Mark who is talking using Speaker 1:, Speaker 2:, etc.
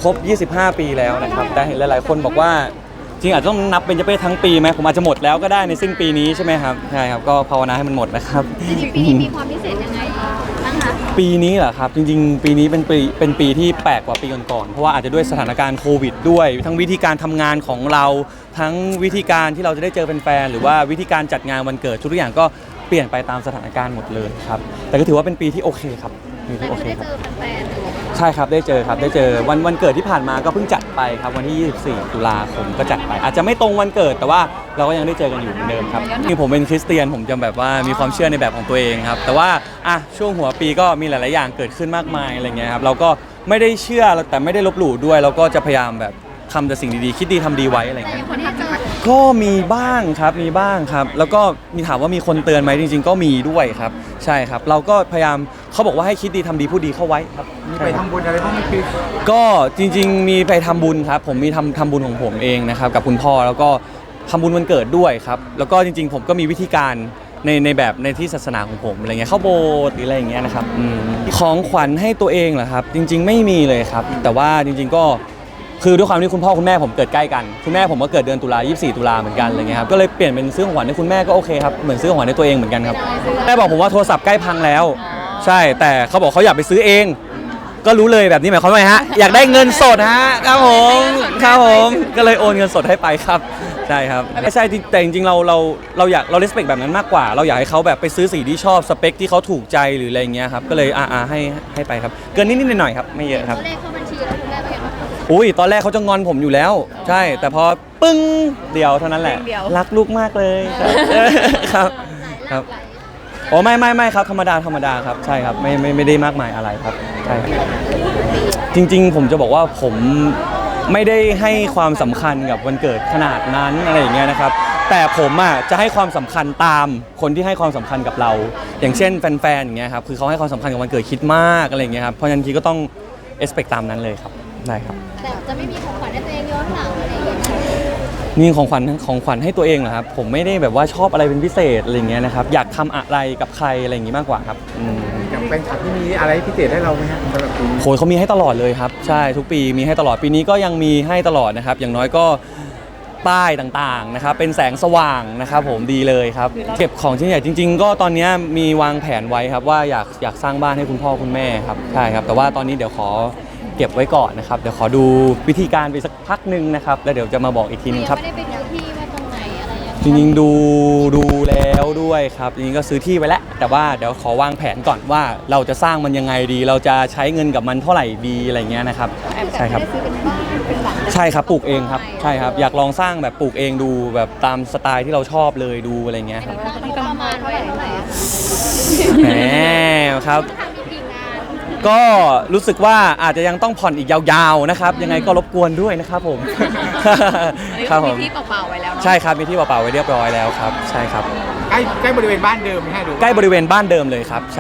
Speaker 1: รบ25 ปีแล้วนะครับแต่เห็นหลายๆคนบอกว่าจริงอาจจะต้องนับเป็นเจเป้ทั้งปีไหมผมอาจจะหมดแล้วก็ได้ในสิ้นปีนี้ใช่ไหมครับใช่ครับก็ภาวนาให้มันหมดนะครับ
Speaker 2: จริงๆปีนี้มีความพิเศษยังไงบ้างคะ
Speaker 1: ปีนี้เหรอครับจริงๆปีนี้เป็นปีที่แปลกกว่าปีก่อนๆเพราะว่าอาจจะด้วยสถานการณ์โควิดด้วยทั้งวิธีการทำงานของเราทั้งวิธีการที่เราจะได้เจอแฟนๆหรือว่าวิธีการจัดงานวันเกิดทุกอย่างก็เปลี่ยนไปตามสถานการณ์หมดเลยครับแต่ก็ถือว่าเป็นปีที่โอเคครับปีที่โอเคครับใช่ครับได้เจอครับได้เจอวันเกิดที่ผ่านมาก็เพิ่งจัดไปครับวันที่24 ตุลาคมก็จัดไปอาจจะไม่ตรงวันเกิดแต่ว่าเราก็ยังได้เจอกันอยู่เหมือนเดิมครับนี่ผมเป็นคริสเตียนผมจะแบบว่ามีความเชื่อในแบบของตัวเองครับแต่ว่าช่วงหัวปีก็มีหลายๆอย่างเกิดขึ้นมากมายอะไรเงี้ยครับเราก็ไม่ได้เชื่อแต่ไม่ได้ลบหลู่ด้วยเราก็จะพยายามแบบทำแต่สิ่งดีๆคิดดีทำดีไว้อะไรเงี้ยก็มีบ้างครับมีบ้างครับแล้วก็มีถามว่ามีคนเตือนไหมจริงๆก็มีด้วยครับใช่ครับเราก็พยายามเขาบอกว่าให้คิดดีทำดีพูดดีเข้าไว้ครับ
Speaker 3: มีไปทำบุญอะไรบ้างไหมคือ
Speaker 1: ก็จริงๆมีไปทำบุญครับผมมีทำบุญของผมเองนะครับกับคุณพ่อแล้วก็ทำบุญวันเกิดด้วยครับแล้วก็จริงๆผมก็มีวิธีการในแบบในที่ศาสนาของผมอะไรเงี้ยเข้าโบสถ์หรืออะไรอย่างเงี้ยนะครับของขวัญให้ตัวเองเหรอครับจริงๆไม่มีเลยครับแต่ว่าจริงๆก็คือด้วยความที่คุณพ่อคุณแม่ผมเกิดใกล้กันคุณแม่ผมก็เกิดเดือนตุลา24 ตุลาเหมือนกันอะไรเงี้ยครับก็เลยเปลี่ยนเป็นซื้อของขวัญให้คุณแม่ก็โอเคครับเหมือนซื้อของขวัญให้ตัวเองเหมือนกันครับแม่บอกผมว่าโทรศัพท์ใกล้พังแล้วใช่แต่เขาบอกเขาอยากไปซื้อเองก็รู้เลยแบบนี้หมายความว่าไงฮะอยากได้เงินสดฮะครับผมก็เลยโอนเงินสดให้ไปครับใช่ครับไม่ใช่แต่จริงๆเราอยากเรา respect แบบนั้นมากกว่าเราอยากให้เขาแบบไปซื้อสีที่ชอบสเปคที่เขาถูกใจหรืออะไรเงี้ยครับก็เลยให้ไปครับเกินนิดๆหน่อยๆครับไม่เยอะครับ
Speaker 2: เลขเข้าบัญชีแล้วคุณแม่เป็นยังไงบ้าง
Speaker 1: อุ้ยตอนแรกเขาจะงอนผมอยู่แล้วใช่แต่พอปึ้งเดียวเท่านั้นแหละรักลูกมากเลยครับครับโอ้ไม่ครับธรรมดาครับใช่ครับไม่ได้มากมายอะไรครับใช่ครับจริงๆผมจะบอกว่าผมไม่ได้ให้ความสำคัญกับวันเกิดขนาดนั้นอะไรอย่างเงี้ยนะครับแต่ผมจะให้ความสำคัญตามคนที่ให้ความสำคัญกับเราอย่างเช่นแฟนๆอย่างเงี้ยครับคือเขาให้ความสำคัญกับวันเกิดคิดมากอะไรอย่างเงี้ยครับเพราะฉะนั้นทีก็ต้องexpect ตามนั้นเลยครับได้ครับ
Speaker 2: แต่จะไม่มีของขวัญให้ตัวเองย้อนหลังอะไรอย่างเงี้ย
Speaker 1: นี่ของขวัญให้ตัวเองเหรอครับผมไม่ได้แบบว่าชอบอะไรเป็นพิเศษอะไรอย่างเงี้ยนะครับอยากทำอะไรกับใครอะไรอย่างงี้มากกว่าครับ
Speaker 3: อย่างแฟนคลับที่มีอะไรพิเศษให้เราไหมฮะสำหรับปีนี้
Speaker 1: โหเขามีให้ตลอดเลยครับใช่ทุกปีมีให้ตลอดปีนี้ก็ยังมีให้ตลอดนะครับอย่างน้อยก็ป้ายต่างๆนะครับเป็นแสงสว่างนะครับผมดีเลยครับเก็บของชิ้นใหญ่จริงๆก็ตอนนี้มีวางแผนไว้ครับว่าอยากสร้างบ้านให้คุณพ่อคุณแม่ครับใช่ครับแต่ว่าตอนนี้เดี๋ยวขอเก็บไว้ก่อนนะครับเดี๋ยวขอดูวิธีการไปสักพักหนึ่งนะครับแล้วเดี๋ยวจะมาบอกอีกทีนึงครับ
Speaker 2: ไม่ได้ไปดูที่ว่าตรงไหนอะไรยังไง
Speaker 1: จริงๆดูแล้วด้วยครับจริงๆก็ซื้อที่ไว้แล้วแต่ว่าเดี๋ยวขอวางแผนก่อนว่าเราจะสร้างมันยังไงดีเราจะใช้เงินกับมันเท่าไหร่ดีอะไรเงี้ยนะครับใช่ครับ
Speaker 2: ซื้อเป็นบ้านเป็นหลัง
Speaker 1: ใช่ครับปลูกเองครับใช่ครับอยากลองสร้างแบบปลูกเองดูแบบตามสไตล์ที่เราชอบเลยดูอะไรเงี้ยครับ
Speaker 2: ประมาณเท่าไหร่
Speaker 1: แหมครับก็รู้สึกว่าอาจจะยังต้องผ่อนอีกยาวๆนะครับยังไงก็รบกวนด้วยนะครับผม
Speaker 2: ครับผมมีที่เปล่าๆไว้แล้ว
Speaker 1: ใช่ครับมีที่เปล่าๆไว้เรียบร้อยแล้วครับใช่ครับ
Speaker 3: ใกล้บริเวณบ้านเดิมไหมฮะดู
Speaker 1: ใกล้บริเวณบ้านเดิมเลยครับใ